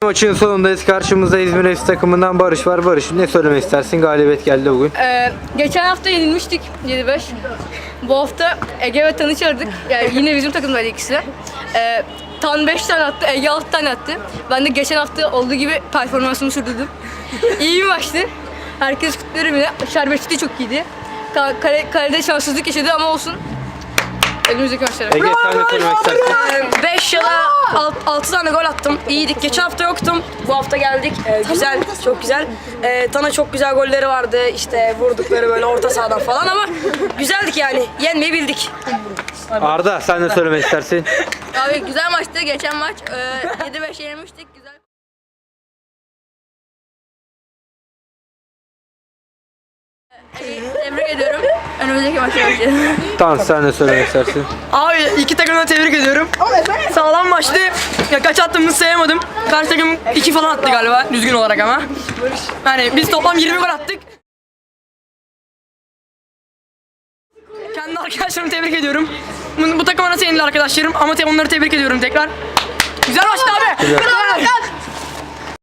Maçın sonundayız. Karşımızda İzmir FC takımından Barış var. Barış, ne söylemek istersin? Galibiyet geldi bugün. Geçen hafta yenilmiştik 7-5. Bu hafta Ege ve Tan'ı çağırdık. Yani yine bizim takımdaydı ikisi. Tan 5 tane attı, Ege 6 tane attı. Ben de geçen hafta olduğu gibi performansımı sürdürdüm. İyi bir maçtı. Herkes kutluyorum yine. Şerbetçi de çok iyiydi. Kalede şanssızlık yaşadı ama olsun. Önümüzdeki maçlara. Ege, sen ne söylemek istersin? 5 ya da 6 tane gol attım. İyiydik. Geçen hafta yoktum. Bu hafta geldik. Güzel, çok güzel. Tan'a çok güzel golleri vardı. İşte vurdukları böyle orta sahadan falan ama güzeldik yani. Yenmeyi bildik. Arda, sen ne söylemek istersin? Abi güzel maçtı. Geçen maç 7-5 yenilmiştik. Güzel. Tebrik ediyorum. Önümüzdeki maçlara başlayalım. Tan, sen ne söylemek istersin? Abi iki takımı da tebrik ediyorum. Sağlam maçtı. Ya kaç attığımızı sayamadım. Karşı takım 2 falan attı galiba düzgün olarak ama. Yani biz toplam 20 gol attık. Kendi arkadaşlarımı tebrik ediyorum. Bu takıma nasıl yenildi arkadaşlarım ama onları tebrik ediyorum tekrar. Güzel maçtı abi. Güzel.